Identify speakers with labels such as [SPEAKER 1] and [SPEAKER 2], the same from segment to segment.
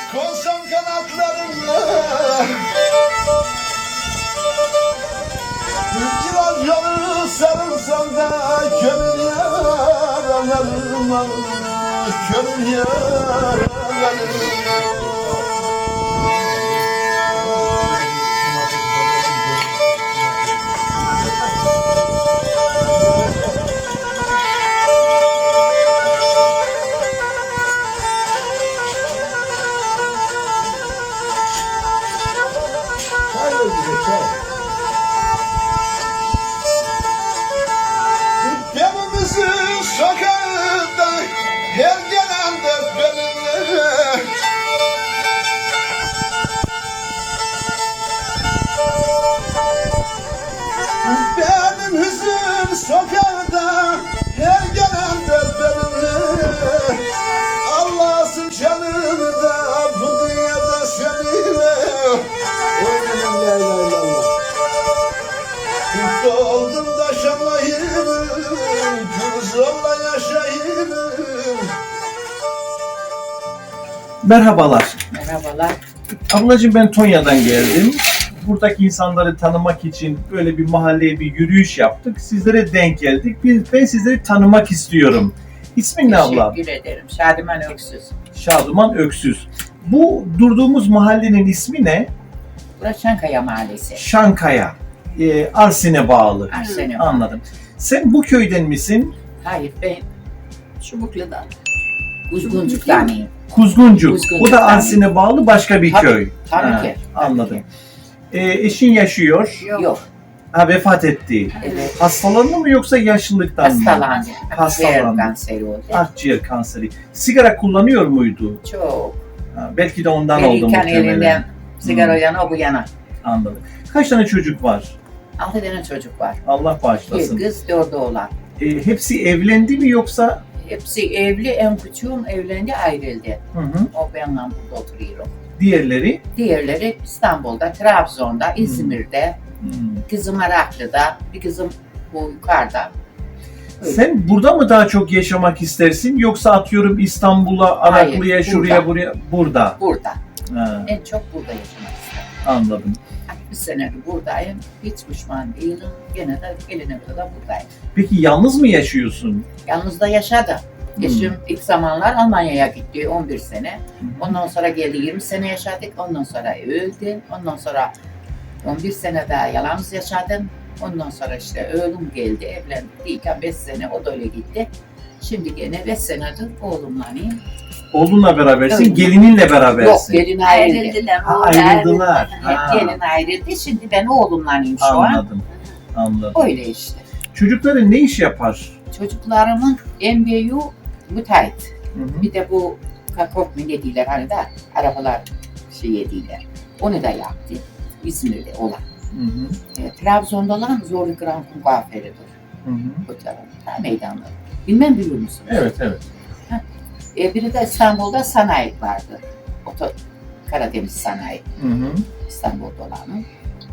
[SPEAKER 1] Konsam kanatlarımla biraz yolu sarılsam da kömür yaralarıma, kömür yaralarıma. Evimizin sokağında her gelen de benimle. Evimizin sokağında her gelen de benimle. Allah'sın canımda bu dünyada seninle. Oynanın la ilahe illallah. Mutlu oldum da şanlayayım, zorla yaşayayım.
[SPEAKER 2] Merhabalar.
[SPEAKER 3] Merhabalar.
[SPEAKER 2] Ablacığım ben Tonya'dan geldim. Buradaki insanları tanımak için böyle bir mahalleye bir yürüyüş yaptık. Sizlere denk geldik. Ben sizleri tanımak istiyorum. İsmin ne abla?
[SPEAKER 3] Teşekkür ederim. Şadiman Öksüz.
[SPEAKER 2] Şaduman Öksüz. Bu durduğumuz mahallenin ismi ne?
[SPEAKER 3] Burası Şankaya Mahallesi.
[SPEAKER 2] Şankaya. Arsin'e bağlı.
[SPEAKER 3] Arsene.
[SPEAKER 2] Anladım. Sen bu köyden misin?
[SPEAKER 3] Hayır, ben Çubuklu'dan. Kuzguncuk'tanıyım.
[SPEAKER 2] Kuzguncuk.
[SPEAKER 3] Kuzguncuk,
[SPEAKER 2] O da
[SPEAKER 3] tabii.
[SPEAKER 2] Arsin'e bağlı başka bir
[SPEAKER 3] Tabii,
[SPEAKER 2] köy.
[SPEAKER 3] tabii
[SPEAKER 2] Ha,
[SPEAKER 3] ki.
[SPEAKER 2] Anladım. Eşin yaşıyor.
[SPEAKER 3] Yok.
[SPEAKER 2] Ha, vefat etti.
[SPEAKER 3] Evet.
[SPEAKER 2] Hastalandı mı yoksa yaşlılıktan mı?
[SPEAKER 3] Hastalandı. Akciğer
[SPEAKER 2] Hastalandı.
[SPEAKER 3] kanseri oldu.
[SPEAKER 2] Akciğer kanseri. Sigara kullanıyor muydu?
[SPEAKER 3] Çok.
[SPEAKER 2] Ha, belki de ondan oldu
[SPEAKER 3] Gelirken
[SPEAKER 2] muhtemelen.
[SPEAKER 3] elinden sigara o yana o bu yana.
[SPEAKER 2] Anladım. Kaç tane çocuk var?
[SPEAKER 3] 6 tane çocuk var.
[SPEAKER 2] Allah
[SPEAKER 3] Bir
[SPEAKER 2] bağışlasın.
[SPEAKER 3] kız, 4 oğlan.
[SPEAKER 2] Hepsi evlendi mi yoksa?
[SPEAKER 3] Hepsi evli, en küçüğüm evlendi, ayrıldı.
[SPEAKER 2] Hı hı.
[SPEAKER 3] O benimle burada oturuyorum.
[SPEAKER 2] Diğerleri?
[SPEAKER 3] Diğerleri İstanbul'da, Trabzon'da, İzmir'de, kızım Araklı'da, bir kızım bu yukarıda. Öyle.
[SPEAKER 2] Sen burada mı daha çok yaşamak istersin yoksa atıyorum İstanbul'a, Araklı'ya,
[SPEAKER 3] Hayır,
[SPEAKER 2] şuraya,
[SPEAKER 3] burada.
[SPEAKER 2] buraya? Burada.
[SPEAKER 3] Burada.
[SPEAKER 2] Ha,
[SPEAKER 3] En çok burada yaşamak isterim.
[SPEAKER 2] anladım.
[SPEAKER 3] 60 senedir buradayım. Hiç pişman değilim. Gene de gelene kadar buradayım.
[SPEAKER 2] Peki yalnız mı yaşıyorsun?
[SPEAKER 3] Yalnız da yaşadım. Eşim ilk zamanlar Almanya'ya gitti 11 sene. Ondan sonra geldi 20 sene yaşadık. Ondan sonra öldü. Ondan sonra 11 sene daha yalnız yaşadım. Ondan sonra işte oğlum geldi. Evlendik değilken 5 sene o da öyle gitti. Şimdi gene 5 senedir oğlumla
[SPEAKER 2] Oğlunla berabersin,
[SPEAKER 3] Evet.
[SPEAKER 2] gelininle
[SPEAKER 3] Yok,
[SPEAKER 2] berabersin.
[SPEAKER 3] gelin ayrıldı.
[SPEAKER 2] Ha, ayrıldılar. Ha,
[SPEAKER 3] Hep gelin ayrıldı. Şimdi ben oğlumlanayım şu an.
[SPEAKER 2] anladım. Anladım.
[SPEAKER 3] Öyle işte.
[SPEAKER 2] Çocukların ne iş yapar?
[SPEAKER 3] Çocuklarımın en büyüğü müteahhit.
[SPEAKER 2] Hı hı.
[SPEAKER 3] Bir de bu kakop mu ne diyorlar hani da arabalar şey yediler. Onu da yaptı. İzmir'de olan.
[SPEAKER 2] Hı hı.
[SPEAKER 3] Trabzon'da olan Zorlu Grand kuaförüdür.
[SPEAKER 2] Hı hı.
[SPEAKER 3] O tarafta. Ta meydanda. Bilmem biliyor musunuz?
[SPEAKER 2] Evet, evet.
[SPEAKER 3] Biri de İstanbul'da sanayi vardı. Karadeniz sanayi.
[SPEAKER 2] Hı hı.
[SPEAKER 3] İstanbul'da olanı.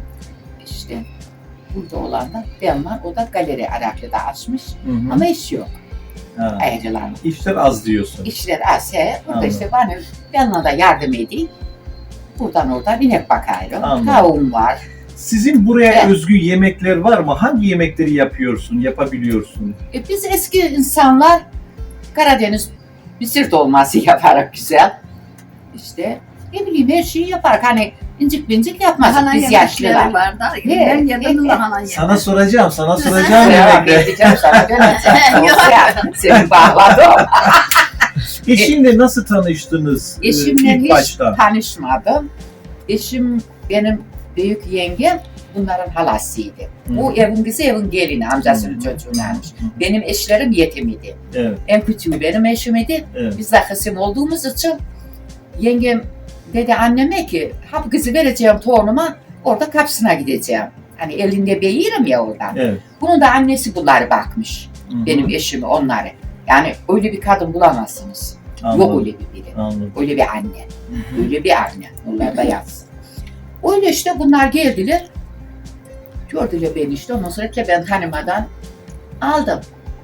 [SPEAKER 3] İşte burada olan da ben var. O da galeri Araklı'da açmış.
[SPEAKER 2] Hı hı.
[SPEAKER 3] Ama iş yok.
[SPEAKER 2] Ha,
[SPEAKER 3] Ayrılan.
[SPEAKER 2] İşler az diyorsun.
[SPEAKER 3] İşler az. Burada
[SPEAKER 2] Anladım.
[SPEAKER 3] işte bana da yardım edeyim. Buradan oradan inek bakıyorum.
[SPEAKER 2] Anladım.
[SPEAKER 3] Tavuğum var.
[SPEAKER 2] Sizin buraya
[SPEAKER 3] Evet.
[SPEAKER 2] özgü yemekler var mı? Hangi yemekleri yapıyorsun, yapabiliyorsun?
[SPEAKER 3] Biz eski insanlar Karadeniz mısır dolması yaparak güzel. İşte ne bileyim her şeyi yapar. Hani incik bincik yapmaz biz yaşlılar.
[SPEAKER 4] Var da
[SPEAKER 3] He,
[SPEAKER 4] ben yedim
[SPEAKER 3] he,
[SPEAKER 4] lahana yedim.
[SPEAKER 2] Sana soracağım
[SPEAKER 3] Devam
[SPEAKER 2] yemekleri.
[SPEAKER 3] edeceğim sana döneceğim.
[SPEAKER 4] Yok.
[SPEAKER 3] Seni bağladım.
[SPEAKER 2] Eşinle nasıl tanıştınız
[SPEAKER 3] Eşimle
[SPEAKER 2] ilk
[SPEAKER 3] hiç
[SPEAKER 2] başta?
[SPEAKER 3] tanışmadım. Eşim benim büyük yengem bunların halasıydı. Bu evin kızı evin gelini amcasının çocuğunaymış. Benim eşlerim yetim idi.
[SPEAKER 2] Evet,
[SPEAKER 3] En küçüğü benim eşim idi.
[SPEAKER 2] evet.
[SPEAKER 3] Biz de kızım olduğumuz için yengem dedi anneme ki ha bu kızı vereceğim torunuma orada kapısına gideceğim. Hani elinde beyirim ya oradan.
[SPEAKER 2] Evet.
[SPEAKER 3] Bunun da annesi bunları bakmış.
[SPEAKER 2] Hı hı.
[SPEAKER 3] Benim eşimi onları. Yani öyle bir kadın bulamazsınız.
[SPEAKER 2] Anladım,
[SPEAKER 3] Yok öyle bir biri.
[SPEAKER 2] anladım.
[SPEAKER 3] Öyle bir anne.
[SPEAKER 2] Hı hı.
[SPEAKER 3] Öyle bir anne. Onlar da yazsın. Öyle işte bunlar geldiler. Gördüler beni işte. Ondan sonra ki ben tanımadan aldım.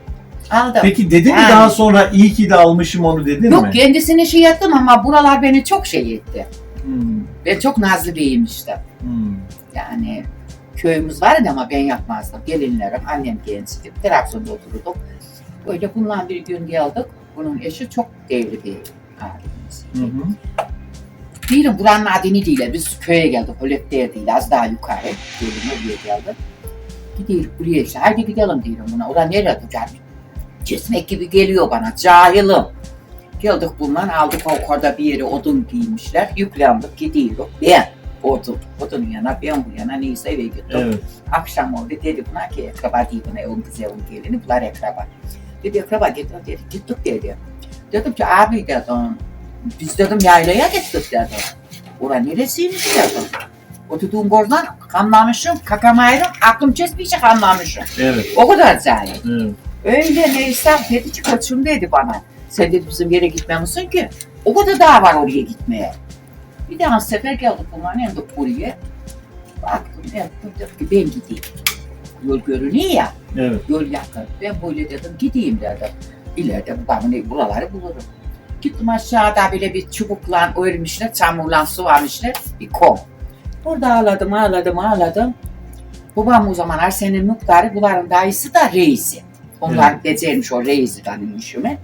[SPEAKER 3] Aldım.
[SPEAKER 2] Peki dedin mi
[SPEAKER 3] Yani.
[SPEAKER 2] daha sonra iyi ki de almışım onu dedin mi?
[SPEAKER 3] Yok, kendisine şey yaptım ama buralar beni çok şey etti.
[SPEAKER 2] Hmm,
[SPEAKER 3] Ben çok nazlı biriymiştim.
[SPEAKER 2] hmm.
[SPEAKER 3] Yani köyümüz vardı ama ben yapmazdım. Gelinlerim, annem gençti. Trabzon'da otururduk. Öyle bundan bir gün geldik. Bunun eşi çok devli bir abimiz.
[SPEAKER 2] Hı hı.
[SPEAKER 3] Diyelim buranın adını değil. Biz köye geldik. Hölep'te değil. Az daha yukarı. Diyelim oraya geldik. Gidiyoruz buraya işte. Haydi gidelim diyelim buna. Orada nereye duracak? Kesmek gibi geliyor bana. Cahilim. Geldik bundan aldık o kadar bir yere odun giymişler. Yüklendik gidiyoruz. Ben odunun yana ben bu yana neyse eve gittim.
[SPEAKER 2] Evet.
[SPEAKER 3] Akşam oldu dedi buna ki akraba değil buna o kızı o gelini bunlar akraba. Dedi akraba gittik dedi. Dedim ki abi dedim biz dedim yaylaya gittik dedim. Ora neresiymiş dedim. O tuttuğum bordan kanlamışım, kakamayırım, aklım kesmeyecek kanlamışım.
[SPEAKER 2] Evet.
[SPEAKER 3] O kadar zahir.
[SPEAKER 2] Evet.
[SPEAKER 3] Öyle neyse dedi ki koçum dedi bana. Sen dedi bizim yere gitmemişsin ki. O kadar daha var oraya gitmeye. Bir daha sefer geldik bunların yanında buraya. Baktım dedim ki ben gideyim. Yol görünüyor ya.
[SPEAKER 2] Evet.
[SPEAKER 3] Yol yakın. Ben böyle dedim gideyim dedim. İleride buraları bulurum. Gittim aşağıda böyle bir çubukla örmüşler, çamurla sıvamışlar bir kom. Orada ağladım. Babam o zamanlar senin muhtarı, bunların dayısı da reisi. Onlar becermiş o reisi tanınmışımı.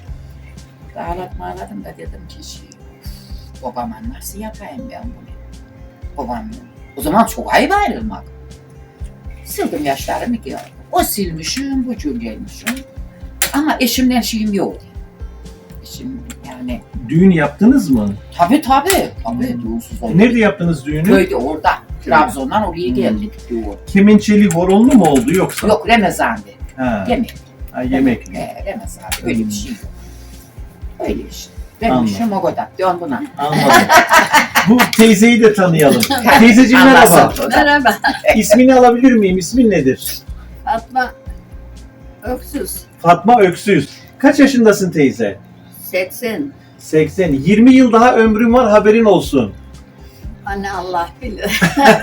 [SPEAKER 3] Ağladım da dedim ki babama nasıl yapayım ben bunu? Babam o zaman çok ayıp ayrılmak. Sildim yaşlarımı geldim. O silmişim, bu gelmişim. Ama eşimden şeyim yoktu. Eşim yani...
[SPEAKER 2] Düğün yaptınız mı?
[SPEAKER 3] Tabii. Düğünsüz oldu.
[SPEAKER 2] Nerede yaptınız düğünü?
[SPEAKER 3] Köyde orada. Trabzon'dan oraya geldik düğün.
[SPEAKER 2] Kemençeli horonlu mu oldu yoksa?
[SPEAKER 3] Yok Ramazan'dı.
[SPEAKER 2] Ha.
[SPEAKER 3] Yemek.
[SPEAKER 2] Ha, yemek.
[SPEAKER 3] Ramazan'dı. Öyle bir şey yok. Öyle işte. Benim işim o kadar. Dön buna.
[SPEAKER 2] Anladım. Bu teyzeyi de tanıyalım. Teyzeciğim merhaba.
[SPEAKER 3] Anlasın.
[SPEAKER 4] Merhaba,
[SPEAKER 2] İsmini alabilir miyim? İsmin nedir?
[SPEAKER 4] Fatma Öksüz,
[SPEAKER 2] Fatma Öksüz. Kaç yaşındasın teyze?
[SPEAKER 4] 80.
[SPEAKER 2] 80. 20 yıl daha ömrüm var haberin olsun.
[SPEAKER 4] Anne Allah bilir.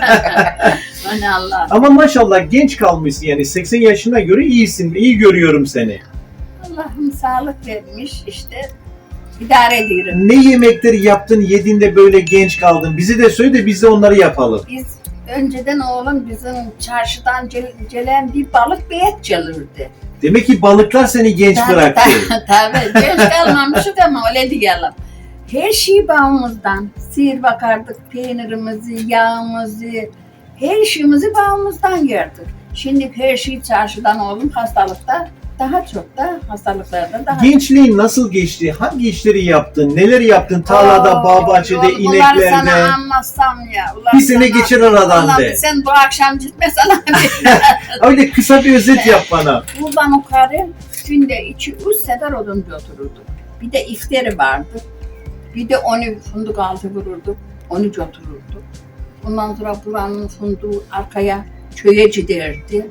[SPEAKER 4] Anne Allah.
[SPEAKER 2] Ama maşallah genç kalmışsın yani 80 yaşına göre iyisin. İyi görüyorum seni.
[SPEAKER 4] Allah'ım sağlık vermiş işte. İdare ediyorum.
[SPEAKER 2] Ne yemekleri yaptın yedin de böyle genç kaldın? Bizi de söyle de biz de onları yapalım.
[SPEAKER 4] Biz önceden oğlum bizim çarşıdan gelen bir balık bir et gelirdi.
[SPEAKER 2] Demek ki balıklar seni genç bıraktı.
[SPEAKER 4] Tabii. Genç kalmamışık ama öyle diyelim. Her şey bağımızdan. Sihir bakardık, peynirimizi, yağımızı, her şeyimizi bağımızdan yerdik. Şimdi her şey çarşıdan oğlum hastalıkta daha çok da hastalıklarda daha
[SPEAKER 2] Gençliğin nasıl geçti? Hangi işleri yaptın? Neler yaptın? Tarlada, bağ bahçede,
[SPEAKER 4] Bunları
[SPEAKER 2] ineklerde.
[SPEAKER 4] sana anlatsam ya.
[SPEAKER 2] Bir sene geçir aradan
[SPEAKER 4] Ulan
[SPEAKER 2] de.
[SPEAKER 4] sen bu akşam gitmesen
[SPEAKER 2] Öyle kısa bir özet yap bana.
[SPEAKER 4] buradan yukarı günde 2-3 sefer oduncu otururduk. Bir de iftari vardı. Bir de onu funduk altı vururduk. Onu otururduk. Ondan sonra buranın funduğu arkaya köye giderdi.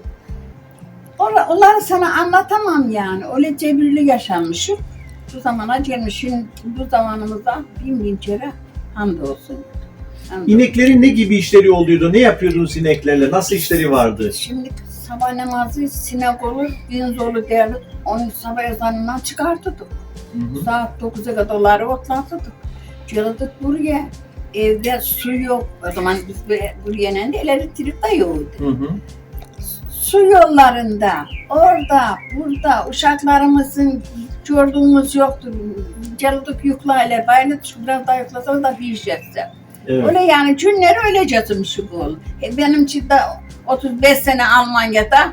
[SPEAKER 4] Onları sana anlatamam yani. Öyle cebirli yaşanmışım. Bu zamana gelmişim. Bu zamanımızda bin kere hamdolsun.
[SPEAKER 2] İneklerin ne gibi işleri oluyordu? Ne yapıyordunuz ineklerle? Nasıl işleri vardı?
[SPEAKER 4] Şimdi sabah namazı sinek olur, gün zolu derdik. Onu sabah ezanından çıkartırdık.
[SPEAKER 2] Hı hı.
[SPEAKER 4] Saat 9'a kadar otlatırdık. Geldik buraya. Evde su yok. O zaman biz buraya ne elektrik de yoktu.
[SPEAKER 2] Hı hı.
[SPEAKER 4] Su yollarında, orada, burada uşaklarımızın gördüğümüz yoktur. Geldik yüklayla, bayını biraz daha yüklasana da bir şey yapsa.
[SPEAKER 2] Evet.
[SPEAKER 4] Öyle yani günleri öyle geçirmişim bu. Benim için de 35 sene Almanya'da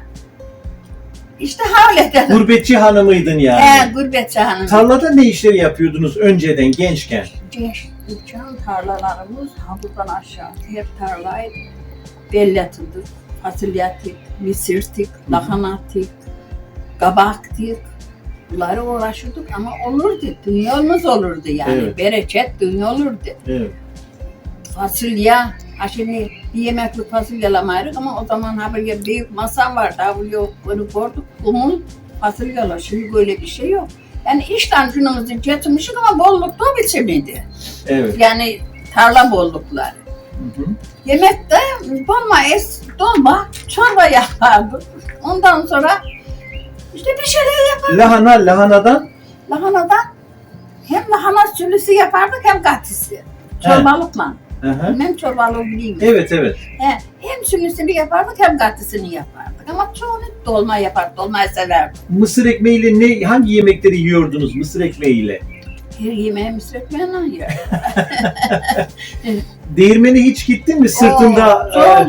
[SPEAKER 4] işte havle dedim.
[SPEAKER 2] Gurbetçi hanımıydın yani.
[SPEAKER 4] Gurbetçi hanım.
[SPEAKER 2] Tarlada ne işleri yapıyordunuz önceden gençken?
[SPEAKER 4] Geçen tarlalarımız havuzdan aşağı hep tarlaydı. Belletiydik, fasulyetik, misirtik, lahanatik, kabaktik. Bunları uğraşırdık ama olurdu. Dünyamız olurdu yani.
[SPEAKER 2] Evet.
[SPEAKER 4] Bereket dünya olurdu.
[SPEAKER 2] Evet.
[SPEAKER 4] Fasulye, şimdi bir yemeklik fasulyelemeydik ama o zaman haberi büyük masam vardı. Haberi yok, onu koyduk, kumul fasulyeler. Şimdi böyle bir şey yok. Yani işten günümüzü getirmişik ama bollukta o biçimiydi.
[SPEAKER 2] Evet.
[SPEAKER 4] Yani tarla bollukları.
[SPEAKER 2] Hı hı.
[SPEAKER 4] Yemekte dolma, çorba yapardık. Ondan sonra İşte bir şeyler yapardık.
[SPEAKER 2] Lahanadan
[SPEAKER 4] Lahanadan hem lahana sülüsü yapardık hem katisi. Çorbalıkla.
[SPEAKER 2] hı hı.
[SPEAKER 4] Hem çorbalığı bileyim.
[SPEAKER 2] Evet.
[SPEAKER 4] Hem sülüsünü yapardık hem katisini yapardık. Ama çoğunu dolma yapardık. Dolmayı severdim.
[SPEAKER 2] Mısır ekmeğiyle hangi yemekleri yiyordunuz mısır ekmeğiyle?
[SPEAKER 4] Her yemeği mısır ekmeğiyle yer.
[SPEAKER 2] Değirmene hiç gittin mi? Sırtında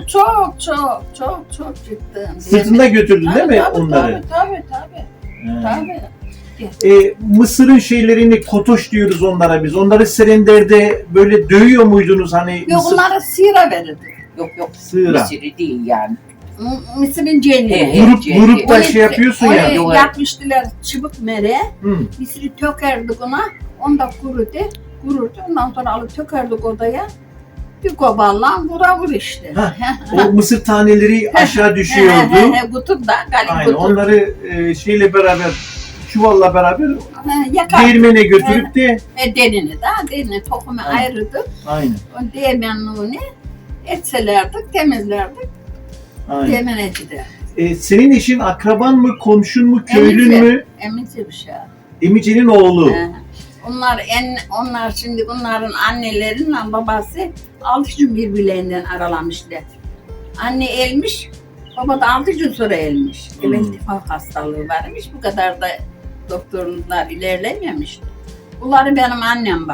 [SPEAKER 4] Çok çıktım.
[SPEAKER 2] sırtında götürdün değil mi onları?
[SPEAKER 4] Tabii.
[SPEAKER 2] Ha.
[SPEAKER 4] Tabii.
[SPEAKER 2] Mısırın şeylerini kotoş diyoruz onlara biz. Onları serenderde böyle dövüyor muydunuz hani?
[SPEAKER 4] Yok onlara sıyra verirdik.
[SPEAKER 3] Yok.
[SPEAKER 2] Sığıra.
[SPEAKER 3] Mısırı değil yani.
[SPEAKER 4] Mısırın cenni.
[SPEAKER 2] Grup da şey yapıyorsun ya.
[SPEAKER 4] Onu yapmıştılar çubuk mere.
[SPEAKER 2] Hı.
[SPEAKER 4] Mısırı tökerdik ona. Onu da kururdu. Ondan sonra alıp tökerdik odaya. Bir kovalla vur işte.
[SPEAKER 2] O mısır taneleri aşağı düşüyordu.
[SPEAKER 4] Kutur da galip
[SPEAKER 2] Aynen.
[SPEAKER 4] kutur.
[SPEAKER 2] Onları şeyle beraber çuvalla beraber
[SPEAKER 4] Yakar.
[SPEAKER 2] değirmene götürüp de
[SPEAKER 4] Derini tohumu
[SPEAKER 2] Aynen.
[SPEAKER 4] ayırdık.
[SPEAKER 2] aynen.
[SPEAKER 4] O değmenliğini etselerdik, temizlerdik. Değmeneci de.
[SPEAKER 2] Senin eşin akraban mı, komşun mu, köylün mü?
[SPEAKER 4] Emici bir şey.
[SPEAKER 2] Emice'nin oğlu.
[SPEAKER 4] Onlar şimdi bunların anneleriyle babası 6 gün birbirlerinden aralamışlar. Anne ölmüş, baba da 6 gün sonra ölmüş.
[SPEAKER 2] Hmm.
[SPEAKER 4] İltifak hastalığı varmış, bu kadar da doktorlar ilerlememiş. Bunları benim annem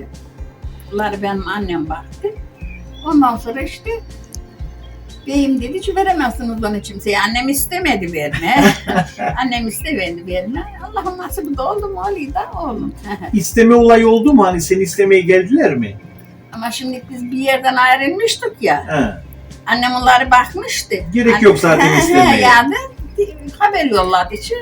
[SPEAKER 4] baktı. Ondan sonra işte beyim dedi ki veremezsiniz bana kimseye. Annem istemedi verme. Annem istemedi verme. Allah'ım nasip de oldu mu olayım da oğlum.
[SPEAKER 2] İsteme olayı oldu mu? Hani seni istemeye geldiler mi?
[SPEAKER 4] Ama şimdi biz bir yerden ayrılmıştık ya.
[SPEAKER 2] Ha.
[SPEAKER 4] Annem onlara bakmıştı.
[SPEAKER 2] Gerek yok zaten istemeye.
[SPEAKER 4] Yani haber yolladı için.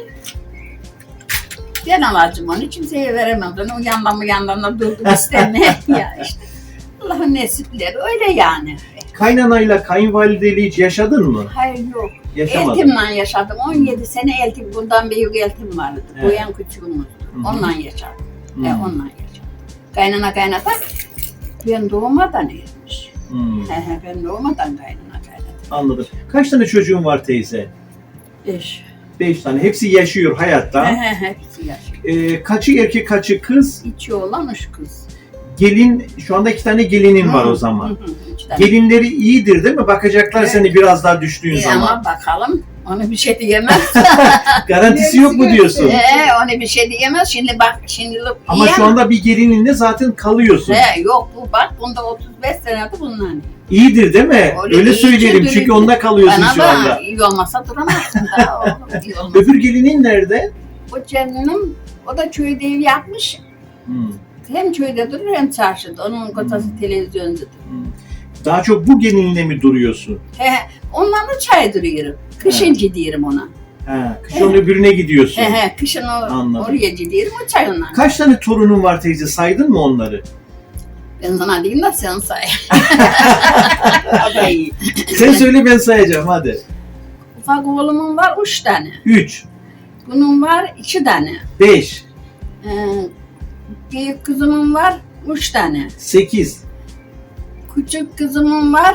[SPEAKER 4] Ben alacağım onu kimseye veremem. O yandan da durdum istemeye. Ya işte. Allah'ın nesipleri öyle yani.
[SPEAKER 2] Kaynanayla kayınvalideyle hiç yaşadın mı?
[SPEAKER 4] Hayır yok.
[SPEAKER 2] Yaşamadın.
[SPEAKER 4] Eltimle yaşadım. 17 sene eltim. Bundan büyük eltim vardı.
[SPEAKER 2] Evet.
[SPEAKER 4] Bu en küçüğümüzdü.
[SPEAKER 2] Hı hı.
[SPEAKER 4] Onunla yaşadım.
[SPEAKER 2] Hmm.
[SPEAKER 4] Onunla yaşadım. Kaynata ben doğmadan ermiş.
[SPEAKER 2] Hmm.
[SPEAKER 4] Ben doğmadan kaynata.
[SPEAKER 2] Anladım. Kaç tane çocuğun var teyze?
[SPEAKER 4] 5.
[SPEAKER 2] 5 tane. Hepsi yaşıyor hayatta.
[SPEAKER 4] Hepsi yaşıyor.
[SPEAKER 2] Kaçı erkek, kaçı kız?
[SPEAKER 4] 2 oğlan 3 kız.
[SPEAKER 2] Gelin, şu anda 2 tane gelinin var o zaman.
[SPEAKER 4] 3 tane.
[SPEAKER 2] Gelinleri iyidir değil mi? Bakacaklar
[SPEAKER 4] Evet.
[SPEAKER 2] seni biraz daha düştüğün
[SPEAKER 4] İyi
[SPEAKER 2] zaman.
[SPEAKER 4] ama bakalım. Onu bir şey diyemez.
[SPEAKER 2] Garantisi yok mu diyorsun?
[SPEAKER 4] Onu bir şey diyemez. Şimdi bak şimdilik
[SPEAKER 2] Ama
[SPEAKER 4] iyi
[SPEAKER 2] şu anda bir gelininle zaten kalıyorsun.
[SPEAKER 4] yok bu bak bunda 35 senedir bundan.
[SPEAKER 2] İyidir değil mi? Öyle
[SPEAKER 4] iyi
[SPEAKER 2] söyleyelim
[SPEAKER 4] ki
[SPEAKER 2] çünkü onunla kalıyorsun
[SPEAKER 4] Bana
[SPEAKER 2] şu
[SPEAKER 4] da
[SPEAKER 2] anda.
[SPEAKER 4] iyi olmasa duramazsın daha oğlum. İyi olmasa.
[SPEAKER 2] Öbür gelinin nerede?
[SPEAKER 4] O canım o da köyde ev yapmış.
[SPEAKER 2] Hmm.
[SPEAKER 4] Hem köyde durur hem çarşıda. Onun kocası televizyoncudur.
[SPEAKER 2] Daha çok bu gelinle mi duruyorsun?
[SPEAKER 4] Onlarla çay duruyorum. Kışın gidiyorum ona.
[SPEAKER 2] Kış onun öbürüne gidiyorsun.
[SPEAKER 4] Kışın
[SPEAKER 2] Anladım.
[SPEAKER 4] oraya gidiyorum o çay onlarla.
[SPEAKER 2] Kaç tane torunun var teyze? Saydın mı onları?
[SPEAKER 4] Ben sana diyeyim de sen say.
[SPEAKER 2] Sen söyle ben sayacağım hadi.
[SPEAKER 4] Ufak oğlumun var 3 tane.
[SPEAKER 2] 3,
[SPEAKER 4] Bunun var 2 tane.
[SPEAKER 2] 5,
[SPEAKER 4] Büyük kızımın var 3 tane.
[SPEAKER 2] 8,
[SPEAKER 4] Küçük kızımın var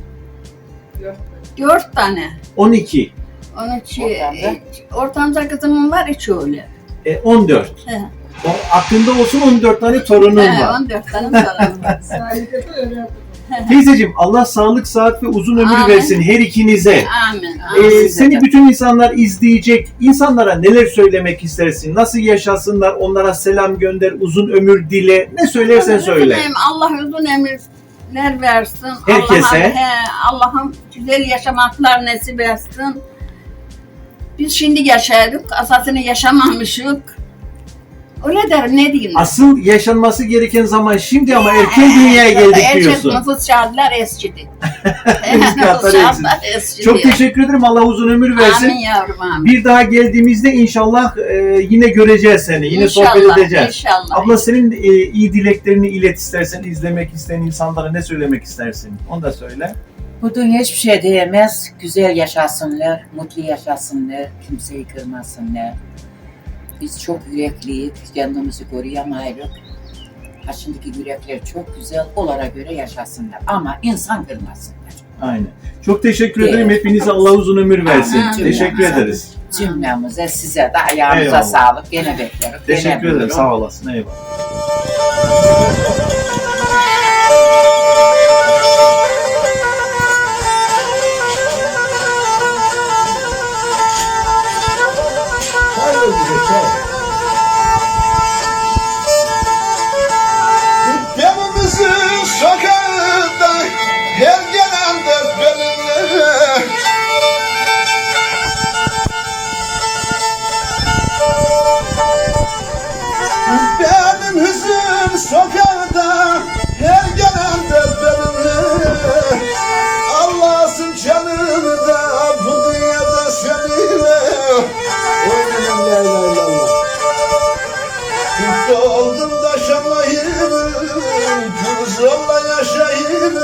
[SPEAKER 4] 4 tane.
[SPEAKER 2] 12,
[SPEAKER 4] 13 ortanca kızımın var 3 oğlu.
[SPEAKER 2] 14.
[SPEAKER 4] He.
[SPEAKER 2] O, aklında olsun 14 tane torunun var.
[SPEAKER 4] 14 tane torunum var.
[SPEAKER 2] Teyzeciğim Allah sağlık, sıhhat ve uzun ömür
[SPEAKER 4] Amin.
[SPEAKER 2] versin her ikinize.
[SPEAKER 4] Amin.
[SPEAKER 2] Seni bütün insanlar izleyecek. İnsanlara neler söylemek istersin? Nasıl yaşasınlar? Onlara selam gönder, uzun ömür dile. Ne söylersen söyle.
[SPEAKER 4] Allah uzun ömürler versin.
[SPEAKER 2] Herkese.
[SPEAKER 4] Allah'ım güzel yaşamaklar nasip etsin. Biz şimdi yaşadık, asasını yaşamamışık. Öyle derim, ne diyeyim?
[SPEAKER 2] Asıl yaşanması gereken zaman şimdi ama erken dünyaya geldik diyorsun.
[SPEAKER 4] Nüfus şartlar eskidi.
[SPEAKER 2] Nüfus şartlar
[SPEAKER 4] eskidi.
[SPEAKER 2] Çok teşekkür ederim. Allah uzun ömür versin.
[SPEAKER 4] Amin yavrum amin.
[SPEAKER 2] Bir daha geldiğimizde inşallah yine göreceğiz seni. Yine
[SPEAKER 4] İnşallah,
[SPEAKER 2] sohbet edeceğiz.
[SPEAKER 4] İnşallah.
[SPEAKER 2] Abla senin iyi dileklerini ilet istersen, izlemek isteyen insanlara ne söylemek istersin? Onu da söyle.
[SPEAKER 3] Bu dünya hiçbir şey diyemez. Güzel yaşasınlar, mutlu yaşasınlar, kimseyi kırmasınlar. Biz çok yürekliyiz, kendimizi koruyamayız. Ha şimdiki yürekler çok güzel, onlara göre yaşasınlar. Ama insan kırmasınlar.
[SPEAKER 2] Aynen. Çok teşekkür
[SPEAKER 3] Evet.
[SPEAKER 2] ederim. Hepinize Allah uzun ömür versin.
[SPEAKER 4] Amin.
[SPEAKER 2] Teşekkür
[SPEAKER 3] Amin.
[SPEAKER 2] ederiz.
[SPEAKER 3] Cümlemize, size de ayağınıza
[SPEAKER 2] Eyvallah.
[SPEAKER 3] sağlık. Gene bekleriz.
[SPEAKER 2] Teşekkür
[SPEAKER 3] Gene
[SPEAKER 2] ederim.
[SPEAKER 3] buyurun.
[SPEAKER 2] Sağ olasın. Eyvallah.
[SPEAKER 1] Çay ver bize çay. Evimizin sokağında her gelen de benimle. Benim hüzün sokağında her gelen de benimle. Allah'sın canımı da bu dünyada seninle. Oynanın la ilahe illallah. Mutlu oldum da şanlayayım, kızımla yaşayayım.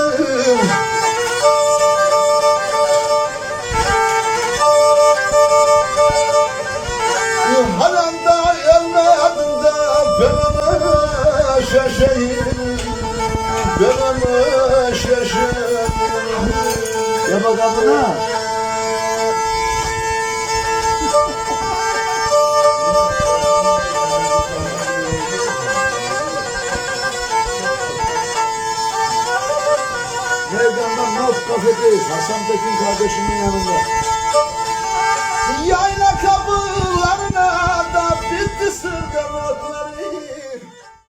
[SPEAKER 1] Halanda evladım da ben ona şaşayım, ben ona şaşayım. Ya bakalım ha. Meydandan Naz kafedeyiz. Hasan Tekin kardeşimin yanında. Ya